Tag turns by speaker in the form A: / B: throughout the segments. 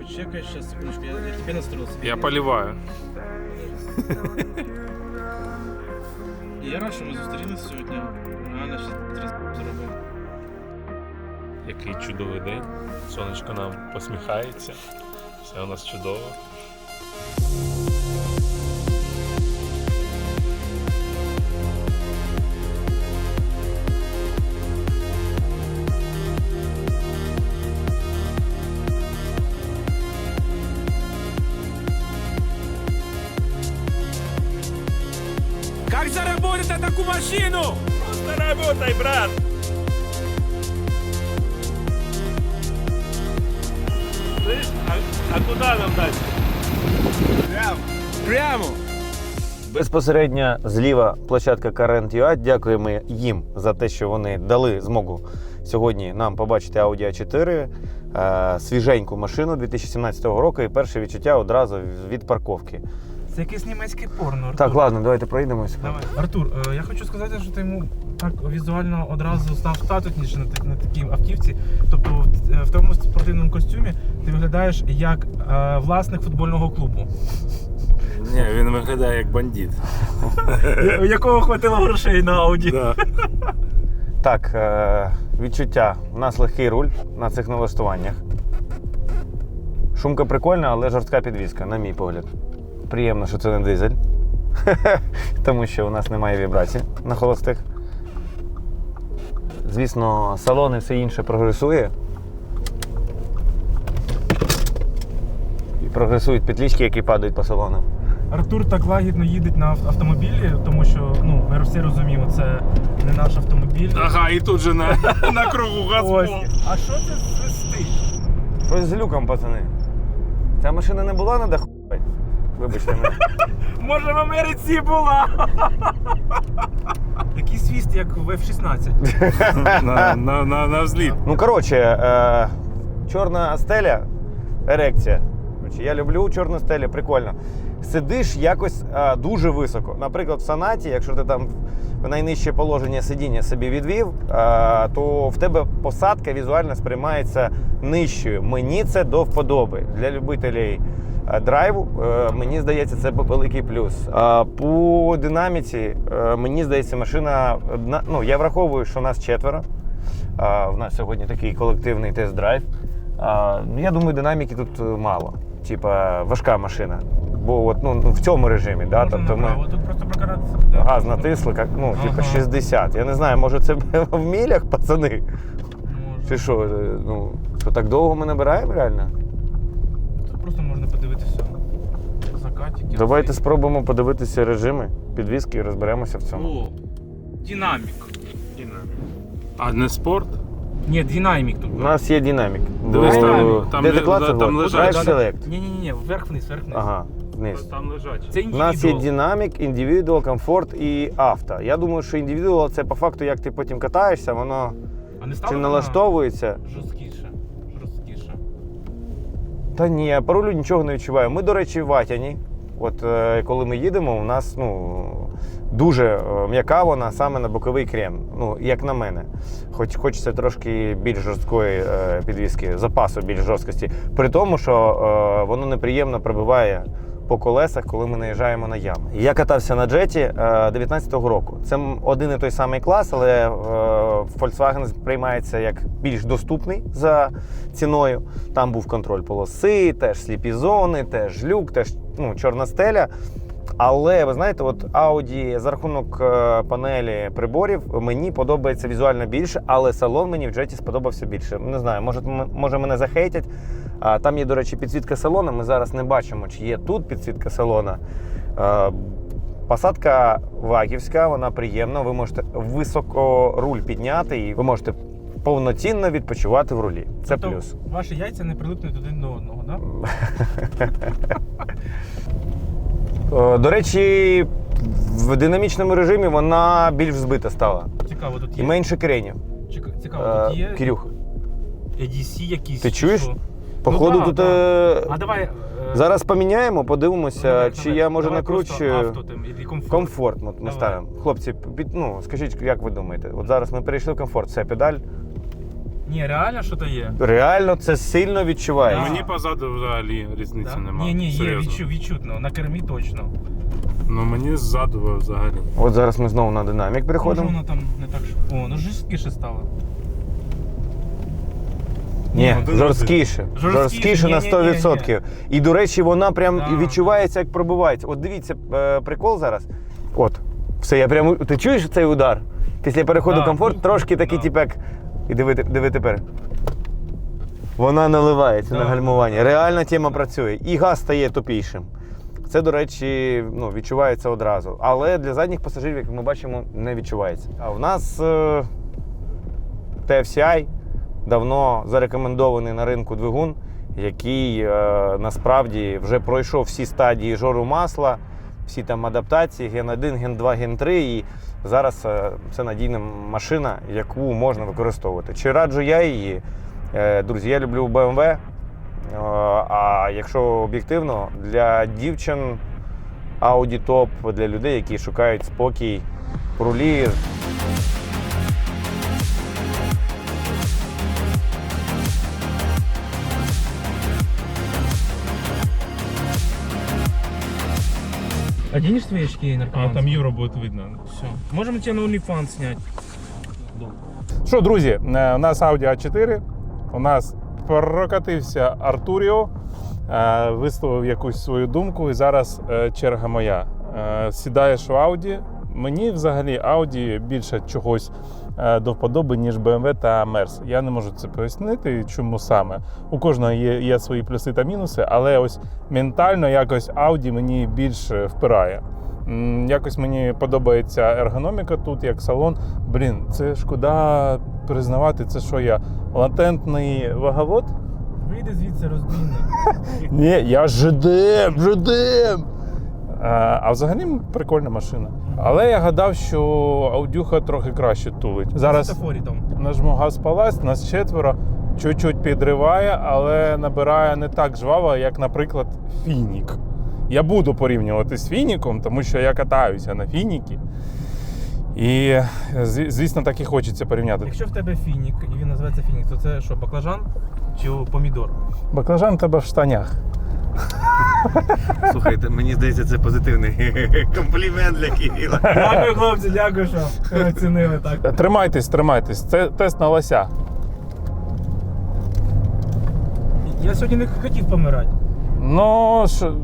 A: почекай, сейчас, секундочку, я тебе настроился.
B: Я поливаю.
A: І я рад, що ми зустрілися сьогодні. Реально, зараз зробив.
B: Який чудовий день. Сонечко нам посміхається. Все у нас чудово.
C: Как заработать на такую машину?
B: Просто работай, брат! Слышь, а куда нам дальше?
C: Прямо.
D: Безпосередньо зліва площадка Current.ua. Дякуємо їм за те, що вони дали змогу сьогодні нам побачити Audi A4, свіженьку машину 2017 року і перше відчуття одразу від парковки.
A: Це якесь німецьке порно, Артур.
D: Так, ладно, давайте проїдемося.
A: Давай. Артур, я хочу сказати, що ти йому так візуально одразу став статусніше на такій автівці. Тобто в тому спортивному костюмі ти виглядаєш як власник футбольного клубу.
B: Ні, він виглядає як бандит.
A: У якого хватило грошей на Ауді.
B: Да.
D: Так, відчуття. У нас легкий руль на цих налаштуваннях. Шумка прикольна, але жорстка підвізка, на мій погляд. Приємно, що це не дизель, тому що у нас немає вібрацій на холостих. Звісно, салон і все інше прогресує. І прогресують петлички, які падають по салону.
A: Артур так лагідно їде на автомобілі, тому що ми всі розуміємо, це не наш автомобіль.
B: Ага, і тут же на кругу газпол.
A: Ось. А що це свистить?
D: Щось з люком, пацани. Ця машина не була на даху? Вибачте мене.
A: Може в Америці була? Який свіст, як в F-16.
B: На взліт.
D: Ну, коротше, чорна стеля, ерекція. Коротше, я люблю чорну стелю, прикольно. Сидиш якось дуже високо. Наприклад, в Сонаті, якщо ти там в найнижче положення сидіння собі відвів, то в тебе посадка візуально сприймається нижчою. Мені це до вподоби. Для любителів драйву, мені здається, це великий плюс. По динаміці, мені здається, машина, ну, я враховую, що нас 4. В нас сьогодні такий колективний тест-драйв. Я думаю, динаміки тут мало. Типа важка машина. Бо от, в цьому режимі, да, тобто ми
A: Тут просто прокаратися буде.
D: газ натисли, типа 60. Я не знаю, може це в мілях, пацани? Чи що, що так довго ми набираємо реально?
A: Тут просто можна подивитися закатики.
D: Давайте спробуємо подивитися режими підвіски і розберемося в цьому.
A: О, динамік.
B: А не спорт?
A: Ні, динамік тут.
D: У нас є динамік.
B: Дивись,
D: Де ти клацав?
B: там лежать.
D: Drive Select.
A: Ні, вверх-вниз, вверх-вниз.
D: Ага, вниз.
B: Там лежать.
A: Це
D: У нас є
A: індивідуал.
D: динамік, індивідуал, комфорт і авто. Я думаю, що індивідуал це по факту, як ти потім катаєшся, воно
A: А не
D: чи
A: стало
D: налаштовується.
A: жорсткіше.
D: Та ні, по рулю нічого не відчуваю. Ми, до речі, в Ватяні. От коли ми їдемо, у нас дуже м'яка вона саме на боковий крем. Як на мене. Хоч хочеться трошки більш жорсткої підвіски, запасу більш жорсткості. При тому, що воно неприємно пробиває по колесах, коли ми наїжджаємо на ями. Я катався на джеті 19-го року. Це один і той самий клас, але Volkswagen сприймається як більш доступний за ціною. Там був контроль полоси, теж сліпі зони, теж люк, теж чорна стеля. Але, ви знаєте, от Audi за рахунок панелі приборів мені подобається візуально більше, але салон мені в джеті сподобався більше. Не знаю, може мене захейтять. Там є, до речі, підсвітка салона, ми зараз не бачимо, чи є тут підсвітка салона. Посадка вагівська, вона приємна, ви можете високо руль підняти і ви можете повноцінно відпочивати в рулі. Це
A: Тобто
D: плюс.
A: Ваші яйця не прилипнуть один до одного, так?
D: До речі, в динамічному режимі вона більш збита стала.
A: Цікаво, тут
D: І
A: є.
D: менше кренів.
A: Цікаво, тут є.
D: Кирюх,
A: ADC якісь.
D: ти чуєш?
A: що?
D: Походу
A: да,
D: тут...
A: А давай.
D: Зараз поміняємо, подивимося,
A: давай,
D: чи
A: давай.
D: я, може,
A: Давай
D: накручу...
A: просто авто там, і комфорт.
D: Комфорт ми
A: Давай.
D: ставимо. Хлопці, скажіть, як ви думаєте? От зараз ми перейшли в комфорт. Це педаль.
A: Ні, реально що-то є.
D: Реально це сильно відчувається.
A: Да.
B: Мені позаду взагалі різниці немає.
A: Ні, є
B: Серйозно.
A: відчутно, на кермі точно.
B: Ну мені ззаду взагалі.
D: От зараз ми знову на динамік
A: Може
D: переходимо.
A: воно там не так, що... О, ну жорсткіше стало.
D: Ні,
B: один
D: жорсткіше. Жорсткіше на
A: Ні-ні-ні.
D: 100%. І, до речі, вона прям
A: Да.
D: і відчувається, як пробивається. От дивіться, прикол зараз. От, все, я прямо. Ти чуєш цей удар? Після переходу
A: Да,
D: комфорт трошки такий,
A: да.
D: типу, як. І диви тепер. Вона наливається
A: Да.
D: на гальмуванні. Реальна тема працює. І газ стає тупішим. Це, до речі, ну, відчувається одразу. Але для задніх пасажирів, як ми бачимо, не відчувається. А в нас TFCI давно зарекомендований на ринку двигун, який насправді вже пройшов всі стадії жору масла, всі там адаптації, Ген 1, Ген 2, Ген 3. І зараз це надійна машина, яку можна використовувати. Чи раджу я її? Друзі, я люблю BMW. А якщо об'єктивно, для дівчин Audi топ, для людей, які шукають спокій в рулі.
A: Оденешь свои очки
B: А
A: наркоманские?
B: там євро буде видно.
A: Все. Можем тебе на OnlyFans снять.
E: Що, друзі, у нас Audi A4, у нас прокатився Артуріо, висловив якусь свою думку, і зараз черга моя. Сідаєш у Audi. Мені взагалі Audi більше чогось до вподоби, ніж BMW та Merc. Я не можу це пояснити, чому саме. У кожного є свої плюси та мінуси, але ось ментально якось Audi мені більше впирає. Якось мені подобається ергономіка тут, як салон. Блін, це шкода признавати, це що я, латентний ваговод?
A: Вийди звідси, розбійник.
E: Ні, я жидем. А взагалі прикольна машина. Але я гадав, що Аудюха трохи краще тулить. Зараз
A: Світофорі там.
E: нажму газ паласть, нас четверо, чуть-чуть підриває, але набирає не так жваво, як, наприклад, Фінік. Я буду порівнювати з Фініком, тому що я катаюся на Фінікі. І, звісно, так і хочеться порівняти.
A: Якщо в тебе фінік, і він називається фінік, то це що, баклажан чи помідор?
E: Баклажан в тебе в штанях.
D: Слухайте, мені здається, це позитивний комплімент для Кирила.
A: Дякую, хлопці, дякую, що оцінили так.
E: Тримайтесь. Це тест на лося.
A: Я сьогодні не хотів помирати.
E: Ну, що...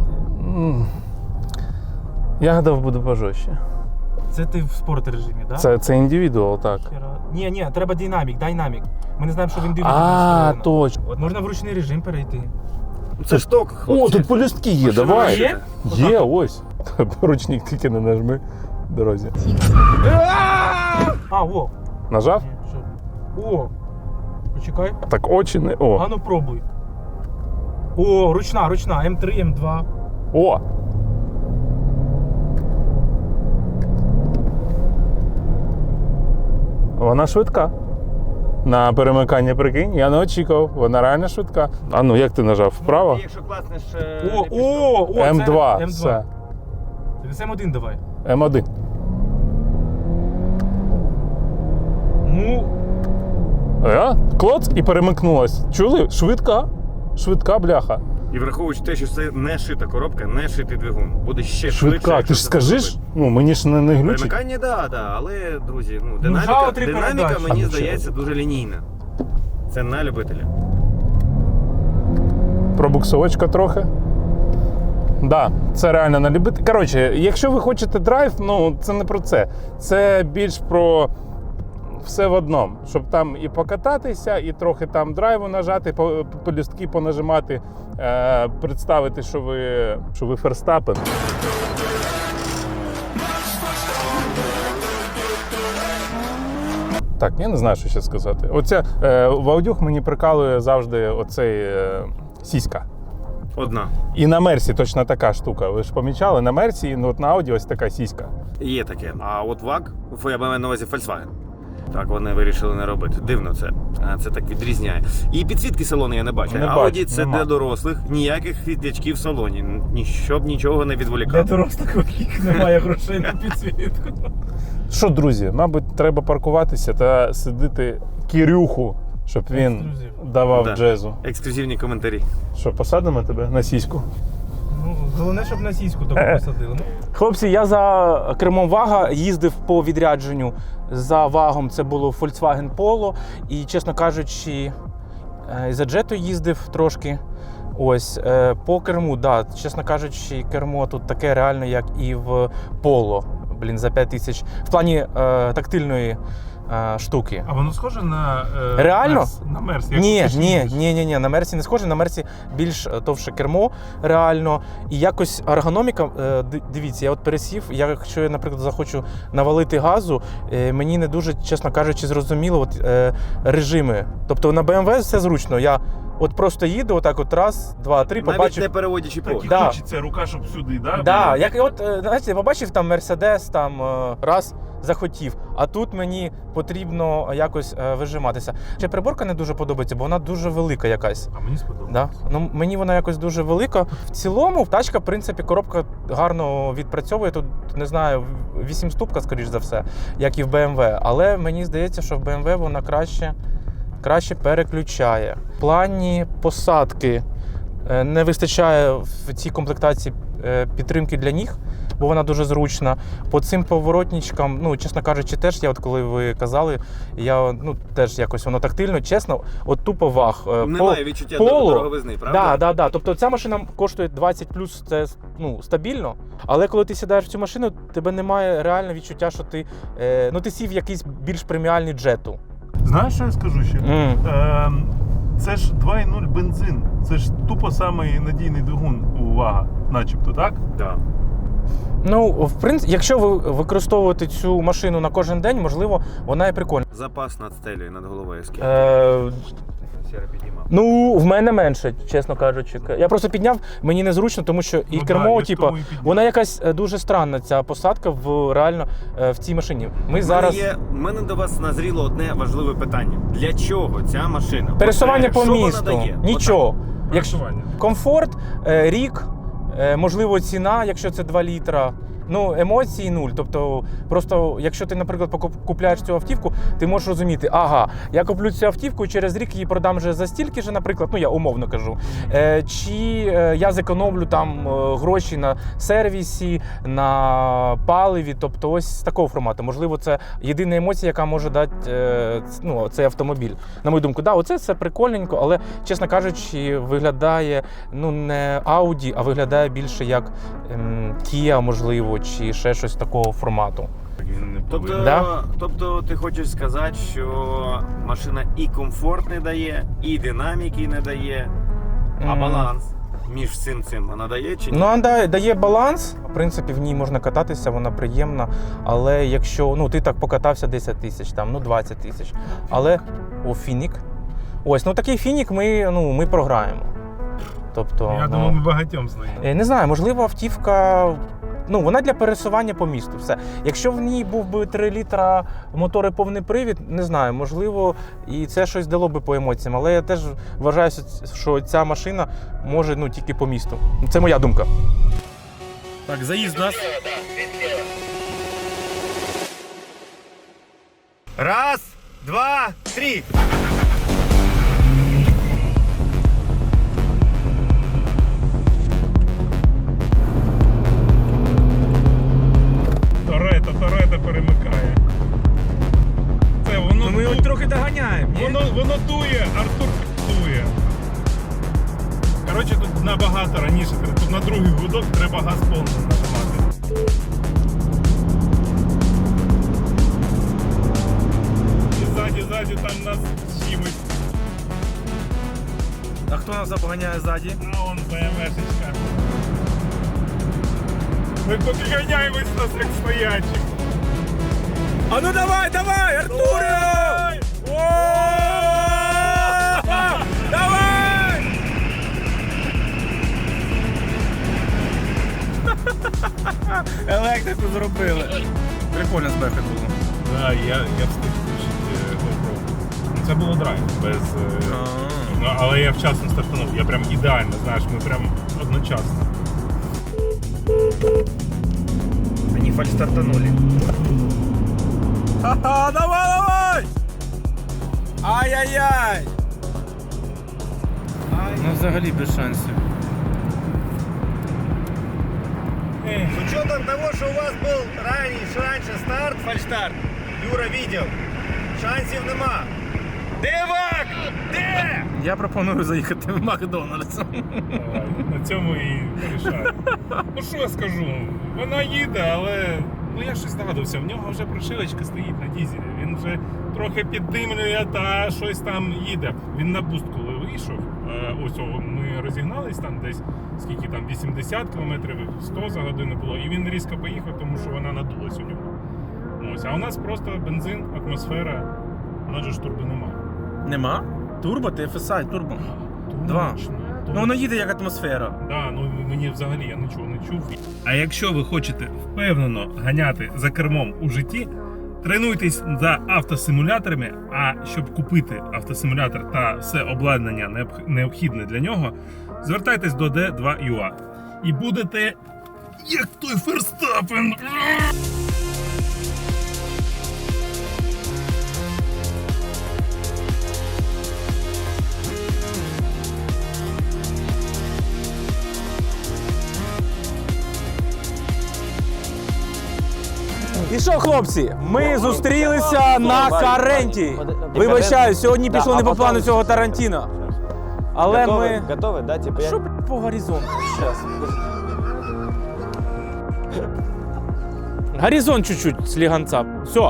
E: Я гадав, буду пожорстче.
A: Це ти в спорт режимі, так?
E: Це індивідуал, так.
A: Ні, треба динамік. Ми не знаємо, що він дивиться.
E: А, точно.
A: От можна в ручний режим перейти.
D: Це шток,
E: О,
D: хлопці.
E: тут полюстки є,
D: Машина
E: давай.
A: є?
E: Є, ось. Ручник тільки не нажми в дорозі.
A: А, о.
E: Нажав?
A: Ні, що? О. Почекай.
E: Так очі не.
A: А
E: О.
A: ну пробуй. О, ручна, М3, М2.
E: О! Вона швидка. На перемикання, прикинь, я не очікував, вона реально швидка. А ну як ти нажав? Вправо?
D: Якщо класнеш
A: О, це
E: М2. Все.
A: Це М1 давай.
E: М1.
A: Ну,
E: Клоц і перемикнулась. Чули? Швидка. Швидка бляха.
D: І враховуючи те, що це не шита коробка, не шитий двигун. Буде ще швидше.
E: Швидка.
D: якщо
E: Ти ж
D: це
E: скажеш?
D: зробити.
E: Ну мені ж не глючить.
D: Перемикання, да, але, друзі,
A: жало
D: динаміка,
A: три
D: динаміка
A: передачі.
D: мені
E: А,
D: здається дуже лінійна. Це на любителя.
E: Пробуксовочка трохи. Да, це реально на любити. Коротше, якщо ви хочете драйв, ну це не про це. Це більш про все в одному. Щоб там і покататися, і трохи там драйву нажати, полюстки понажимати, представити, що ви Ферстапен. Так, я не знаю, що ще сказати. Оце в Аудюх мені прикалує завжди оцей сіська.
D: Одна.
E: І на Мерсі точно така штука. Ви ж помічали, на Мерсі, ну от на Ауді ось така сіська.
D: Є таке. А от ВАГ, я маю на увазі Volkswagen. Так вони вирішили не робити. Дивно це. Це так відрізняє. І підсвітки салону я не бачу.
E: Не
D: Audi
E: бачу,
D: це
E: нема.
D: для дорослих, ніяких світлячків в салоні. Щоб нічого не
A: для
D: відволікати.
A: дорослих таких немає грошей на підсвітку.
E: Що, друзі, мабуть, треба паркуватися та сидити Кирюху щоб він
A: Ексклюзив.
E: давав
D: Да.
E: джезу.
D: Ексклюзивні коментарі.
E: Що, посадимо тебе на сіську?
A: Ну, головне, щоб на сіську таку посадили.
F: Хлопці, я за кермом Вага їздив по відрядженню. За Вагом це було Volkswagen Polo. І, чесно кажучи, за Jetta їздив трошки. Ось, по керму, да, чесно кажучи, кермо тут таке реально, як і в Polo. Блін, за 5 тисяч. В плані тактильної штуки.
E: А воно схоже на
F: Реально?
E: на Мерс?
F: Ні, на Мерсі не схоже. На Мерсі більш товще кермо, реально. І якось ергономіка, дивіться, я от пересів, якщо я, наприклад, захочу навалити газу, мені не дуже, чесно кажучи, зрозуміло от, режими. Тобто на BMW все зручно. Я от просто їду, отак от раз, два, три,
D: Навіть
F: побачив.
D: не переводячи погляд.
F: Да.
E: Хочеться рука, щоб сюди, да?
F: Да, як от, знаєте, побачив там Мерседес, там раз захотів, а тут мені потрібно якось вижиматися. Ще приборка не дуже подобається, бо вона дуже велика якась.
E: А мені сподобалося.
F: Да? Ну, мені вона якось дуже велика. В цілому, тачка, в принципі, коробка гарно відпрацьовує. Тут, не знаю, 8-ступка, скоріш за все, як і в BMW. Але мені здається, що в BMW вона краще переключає. В плані посадки не вистачає в цій комплектації підтримки для ніг, бо вона дуже зручна. По цим поворотничкам, ну, чесно кажучи, теж я, от коли ви казали, я, ну, теж якось воно тактильно, чесно, от тупо Ваг.
D: Немає відчуття
F: Polo,
D: дороговизни, правда?
F: Да. Тобто ця машина коштує 20 плюс, це ну, стабільно. Але коли ти сідаєш в цю машину, тебе немає реально відчуття, що ти, ну, ти сів в якийсь більш преміальний джету.
E: Знаєш, що я скажу ще? Це ж 2.0 бензин. Це ж тупо самий надійний двигун у Вага, начебто, так?
D: Да.
F: Ну, в принципі, якщо ви використовуєте цю машину на кожен день, можливо, вона і прикольна.
D: Запас над стелею, над головою скільки? Сіра підіймав.
F: Ну, в мене менше, чесно кажучи. Я просто підняв, мені незручно, тому що і
E: Ну,
F: кермо,
E: да, я ж
F: типу,
E: тому і підняв.
F: вона якась дуже странна, ця посадка реально в цій машині. Ми зараз
D: У мене до вас назріло одне важливе питання. Для чого ця машина?
F: пересування по
D: Що вона
F: місту.
D: дає?
F: Нічого. Якщо
E: Пересування.
F: комфорт, рік, можливо, ціна, якщо це 2 літра. Ну, емоції нуль. Тобто, просто, якщо ти, наприклад, купляєш цю автівку, ти можеш розуміти, ага, я куплю цю автівку і через рік її продам вже за стільки ж, наприклад, ну я умовно кажу. Чи я зекономлю там гроші на сервісі, на паливі, тобто ось з такого формату. Можливо, це єдина емоція, яка може дати ну, цей автомобіль. На мою думку, да, оце все прикольненько, але, чесно кажучи, виглядає ну, не Audi, а виглядає більше як Kia, можливо, чи ще щось такого формату.
D: Тобто,
F: Да?
D: тобто ти хочеш сказати, що машина і комфорт не дає, і динаміки не дає, а баланс між всім цим вона дає чи ні?
F: Ну, вона дає баланс. В принципі, в ній можна кататися, вона приємна. Але якщо ну, ти так покатався 10 тисяч, там, ну 20 тисяч. Але фінік. Ось, ну такий фінік ми програємо. Тобто,
E: Я думаю, ми багатьом знаємо.
F: не знаю, можливо, автівка. Ну, вона для пересування по місту. Все. Якщо в ній був би 3 літра мотор і повний привід, не знаю, можливо, і це щось дало би по емоціям. Але я теж вважаю, що ця машина може ну, тільки по місту. Це моя думка.
C: Так, заезд нас.
D: Раз, два, три!
E: Торетто перемикає. Це воно
C: Ми його трохи доганяємо. ні?
E: воно дує, Артур дує. Коротше, тут набагато раніше, тут на другий гудок треба газ повністю нажимати. І ззаді там нас щимить.
A: А хто нас обганяє ззаді?
E: А он БМВшечка. Ми поки ганяємось нас як стоячі.
C: А ну давай, Артуре! Давай!
A: Електрику зробили. Прикольно з бехи було.
E: Да, я встиг включити GoPro. Це було драйв, без... Ну, але я вчасно стартанув. Я прям ідеально, знаєш, ми прям одночасно.
A: Они фальстартанули.
C: Ха-ха, давай! Ай-яй-яй!
F: Ну взагалі без шансів.
D: С учетом того, что у вас был раньше старт, фальштарт, Юра видел, шансів нема. Дивак! Де?
F: Я пропоную заїхати в Макдональдс.
E: На цьому і вирішаю. Ну що я скажу? Вона їде, але я щось здогадався. В нього вже прошивочка стоїть на дізелі. Він вже трохи піддимлює та щось там їде. Він на буст, коли вийшов, ось ми розігнались там десь, скільки там, 80 км, 100 за годину було, і він різко поїхав, тому що вона надулась у нього. Ось, а у нас просто бензин, атмосфера, вона ж турбо нема.
F: Нема? Турбо, TFSI, турбо. Два. Ну воно їде як атмосфера.
E: Да, ну мені взагалі я нічого не чув. А якщо ви хочете впевнено ганяти за кермом у житті, тренуйтесь за автосимуляторами. А щоб купити автосимулятор та все обладнання необхідне для нього, звертайтесь до D2UA. І будете як той Ферстапен.
F: І що, хлопці, ми зустрілися на Каренті. Вибачаю, сьогодні пішло не по плану цього Тарантіно. Але ми...
D: Готовы, да? Типа
F: Що, по горизонту? Щас. Горизонт чуть-чуть сліганця. Все.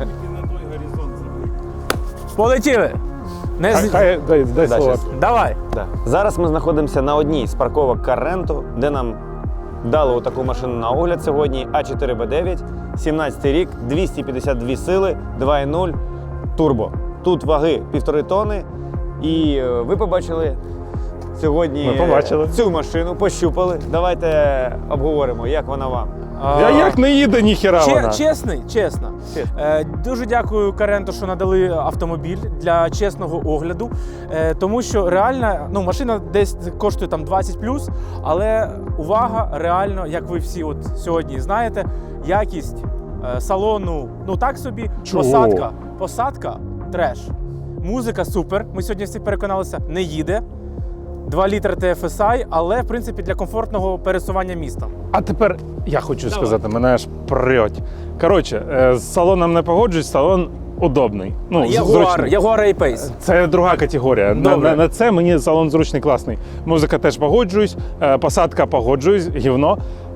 F: Полетіли. Не з-
E: Дай слово.
F: Давай.
D: Да. Зараз ми знаходимося на одній з парковок Каренту, де нам дали таку машину на огляд сьогодні. А4Б9, 17 рік, 252 сили, 2.0 турбо. Тут ваги 1,5 тонни. І ви побачили сьогодні
E: Ми побачили.
D: цю машину, пощупали. Давайте обговоримо, як вона вам.
E: Я як не їде, ніхера вона.
F: Чесно. Дуже дякую Каренту, що надали автомобіль для чесного огляду. Тому що реально, ну, машина десь коштує там 20+, але увага, реально, як ви всі от сьогодні знаєте, якість салону, ну так собі,
E: Чого?
F: посадка треш. Музика супер, ми сьогодні всі переконалися, не їде. 2 літри TFSI, але в принципі для комфортного пересування містом.
E: А тепер я хочу сказати, мене аж прьоть. Коротше, з салоном не погоджуюсь, салон удобний. Ну, зручний.
F: Jaguar A-Pace.
E: Це друга категорія. На це мені салон зручний, класний. Музика теж погоджуюсь, посадка погоджуюсь, гівно.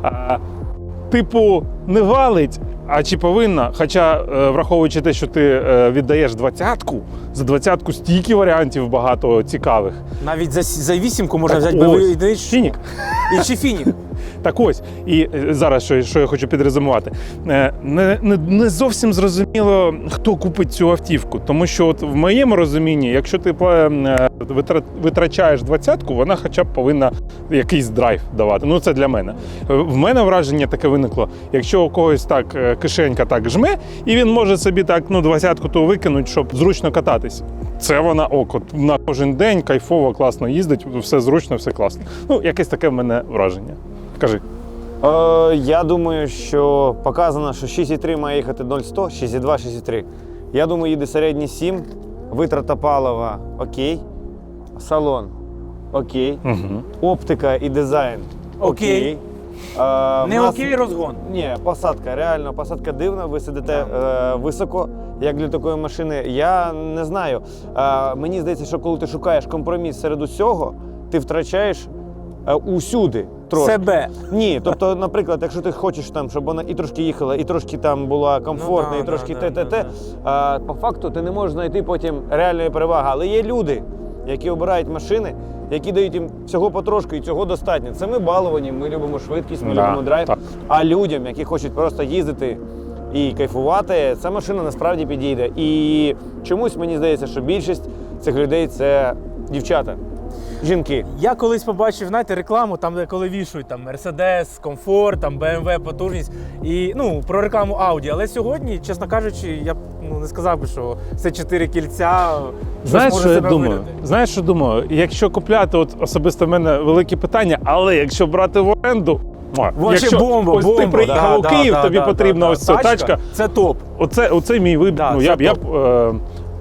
E: Типу, не валить, а чи повинна? Хоча, враховуючи те, що ти віддаєш 20-ку, за 20-ку стільки варіантів багато цікавих.
F: Навіть за 8-ку можна
E: Так
F: взяти
E: ось,
F: бойовий единичку.
E: Фінік.
F: І чи Фінік.
E: Так ось, і зараз, що я хочу підрезумувати, не зовсім зрозуміло, хто купить цю автівку. Тому що от в моєму розумінні, якщо ти витрачаєш 20-ку, вона хоча б повинна якийсь драйв давати. Ну, це для мене. В мене враження таке виникло, якщо у когось так кишенька так жме, і він може собі так, ну, 20-ку то викинуть, щоб зручно кататись. Це вона от на кожен день кайфово, класно їздить, все зручно, все класно. Ну, якесь таке в мене враження. Кажи.
D: Я думаю, що показано, що 6,3 має їхати 0-100, 6,2, 6,3. Я думаю, їде середній 7, витрата палива окей, салон окей, оптика і дизайн окей.
F: Не окей розгон.
D: Ні, посадка, реально, посадка дивна, ви сидите високо, як для такої машини. Я не знаю, мені здається, що коли ти шукаєш компроміс серед усього, ти втрачаєш усюди трошки.
F: Себе.
D: Ні, тобто, наприклад, якщо ти хочеш там, щоб вона і трошки їхала, і трошки там була комфортна,
F: Ну, да,
D: і трошки
F: да,
D: те-те-те, по факту ти не можеш знайти потім реальної переваги. Але є люди, які обирають машини, які дають їм всього потрошку, і цього достатньо. Це ми баловані, ми любимо швидкість, ми любимо драйв.
E: Так.
D: А людям, які хочуть просто їздити і кайфувати, ця машина насправді підійде. І чомусь мені здається, що більшість цих людей – це дівчата, жінки.
F: Я колись побачив, знаєте, рекламу, там, де коли вішують там Mercedes, комфорт, там BMW, потужність, і, ну, про рекламу Audi. Але сьогодні, чесно кажучи, я б не сказав би, що це 4 кільця.
E: Знаєш, що я думаю?
F: Вирити.
E: Знаєш, що думаю? Якщо купляти, от особисто в мене велике питання, але якщо брати в оренду,
F: Вообще
E: якщо
F: бомба,
E: ось ти приїхав у Київ, тобі потрібна ось ця тачка.
F: Це топ.
E: Оце мій вибір.
F: Да,
E: Ну,
F: це
E: я б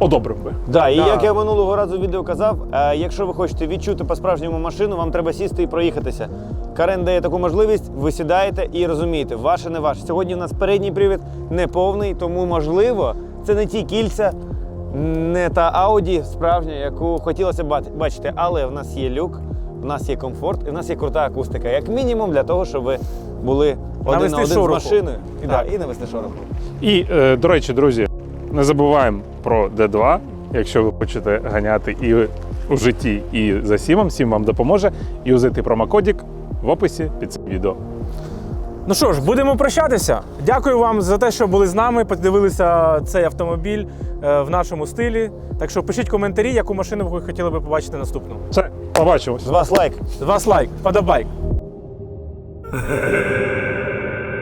E: одобрив би.
D: Да, і
F: Да.
D: як я минулого разу в відео казав, якщо ви хочете відчути по-справжньому машину, вам треба сісти і проїхатися. Карен дає таку можливість, ви сідаєте і розумієте, ваше не ваше. Сьогодні у нас передній привід не повний, тому можливо, це не ті кільця, не та Audi справжня, яку хотілося б бачити. Але в нас є люк, в нас є комфорт і в нас є крута акустика. Як мінімум для того, щоб ви були один
F: Навести
D: на один
F: шороху.
D: з машиною. І,
F: Так.
D: і навести шороху.
E: І, до речі, друзі, не забуваємо про D2, якщо ви хочете ганяти і у житті, і за Сімом. Сім вам допоможе. Юзайте промокодик в описі під цим відео.
F: Ну що ж, будемо прощатися. Дякую вам за те, що були з нами, подивилися цей автомобіль в нашому стилі. Так що пишіть коментарі, яку машину ви хотіли би побачити наступну.
E: Все, побачимось.
D: З вас лайк.
F: З вас лайк, подобайк.